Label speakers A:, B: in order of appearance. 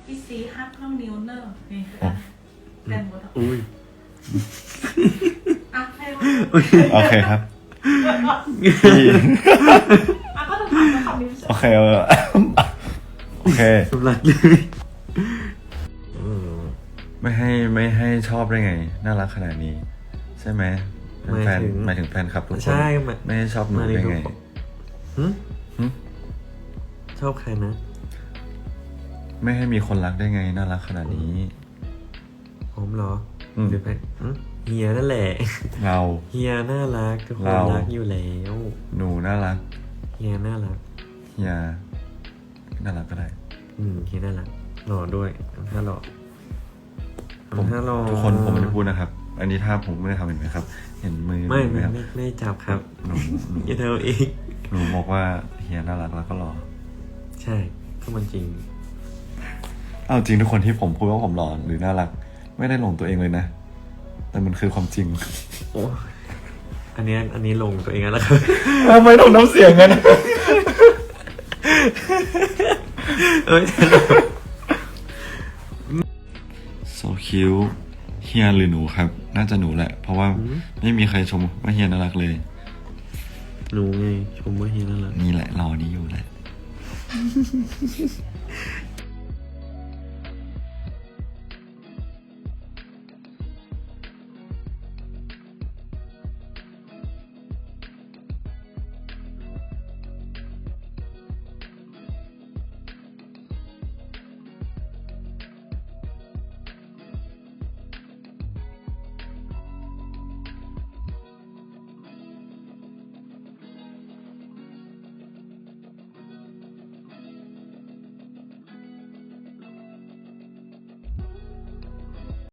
A: อีซีฮักน้องนิวเนอร์นี่คือกันแดนบท
B: อุ้ย
A: อ่ะให้ว่า
C: โอเคครับพี่
A: อ่ะก็ต้องถามคำนี้
C: โอเคโอเค
B: สำลักเลย
C: ไม่ให้ชอบได้ไง น่ารักขนาดนี้ ใช่ไหมแฟนหมายถึงแฟนครับทุกคน
B: ใช่
C: ไม่ให้ชอบหนูได้ไง
B: ชอบใครนะ
C: ไม่ให้มีคนรักได้ไง น่ารักขนาดนี้
B: ผมเหรอหรือใครเฮียนั่นแหละ
C: เรา
B: เฮียน่ารักทุกคน
C: เรา
B: รักอยู่แล้ว
C: หนูน่ารัก
B: เฮียน่ารัก
C: เฮียน่ารักก็ได้
B: เฮียน่ารักหล่อด้วยถ้าหล่อ
C: ผม
B: ถ้าหล่อ
C: ทุกคนผมไม่ได้พูดนะครับ อันนี้ถ้าผมไม่ได้ทำเห็นไหมครับ เห็นมือ
B: ไม่
C: ไหมครับ
B: ไม่จับครับ
C: หนู
B: อย่าเธอเอง
C: หนูบอกว่าเฮียน่ารักแล้วก็หล่อ
B: ใช่ก็มันจริง
C: เอาจริงทุกคนที่ผมพูดว่าผมหล่อหรือน่ารัก ไม่ได้หลงตัวเองเลยนะ แต่มันคือความจริง
B: โอ้อันนี้ลงตัวเองแล้วครับ
C: ทำไมต้องน้ำเสียงกัน
B: เอ้ย
C: so cute เฮียหรือหนูครับ น่าจะหนูแหละ เพราะว่าไม่มีใครชมว่าเฮียน่ารักเลย
B: หนูไงชมว่าเฮียน่ารัก
C: นี่แหละรอนี้อยู่แหละ